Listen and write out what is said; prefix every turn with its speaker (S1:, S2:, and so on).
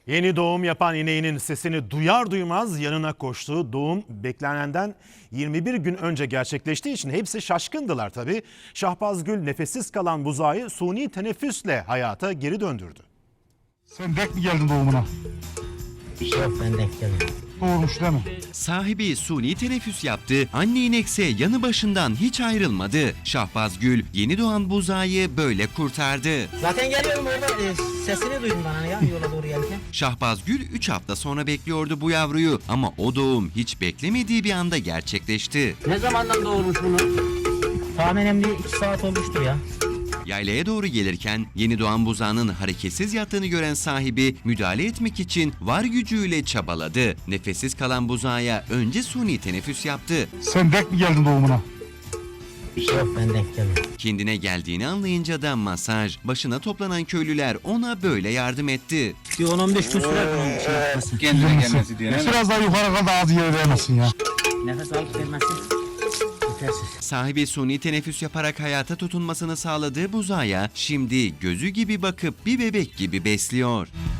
S1: Yeni doğum yapan ineğinin sesini duyar duymaz yanına koştu. Doğum beklenenden 21 gün önce gerçekleştiği için hepsi şaşkındılar tabii. Şahbazgül nefessiz kalan buzağı suni teneffüsle hayata geri döndürdü.
S2: Sen denk mi geldin doğumuna?
S3: Yok, ben denk gelmedim.
S2: Doğurmuş değil mi?
S4: Sahibi suni teneffüs yaptı, anne inekse yanı başından hiç ayrılmadı. Şahbazgül yeni doğan buzağı böyle kurtardı.
S3: Zaten geliyorum orada, sesini duydum ben hani ya yola doğru gelirken.
S4: Şahbazgül 3 hafta sonra bekliyordu bu yavruyu ama o doğum hiç beklemediği bir anda gerçekleşti.
S3: Ne zamandan doğurmuş bunu? Tahminen bir 2 saat olmuştur ya.
S4: Yaylaya doğru gelirken yeni doğan buzağının hareketsiz yattığını gören sahibi müdahale etmek için var gücüyle çabaladı. Nefessiz kalan buzağa önce suni teneffüs yaptı.
S2: Sen denk mi geldin doğumuna?
S3: Yok, ben denk gelmedim.
S4: Kendine geldiğini anlayınca da masaj, başına toplanan köylüler ona böyle yardım etti.
S3: Bir 10-15 gün sürer bunun şey yapması.
S5: Kendine gelmesi diye.
S2: Biraz daha yukarı kadar ağzı yere değmesin ya.
S3: Nefes alıp vermesi yetersiz.
S4: Sahibi suni teneffüs yaparak hayata tutunmasını sağladığı buzağa şimdi gözü gibi bakıp bir bebek gibi besliyor.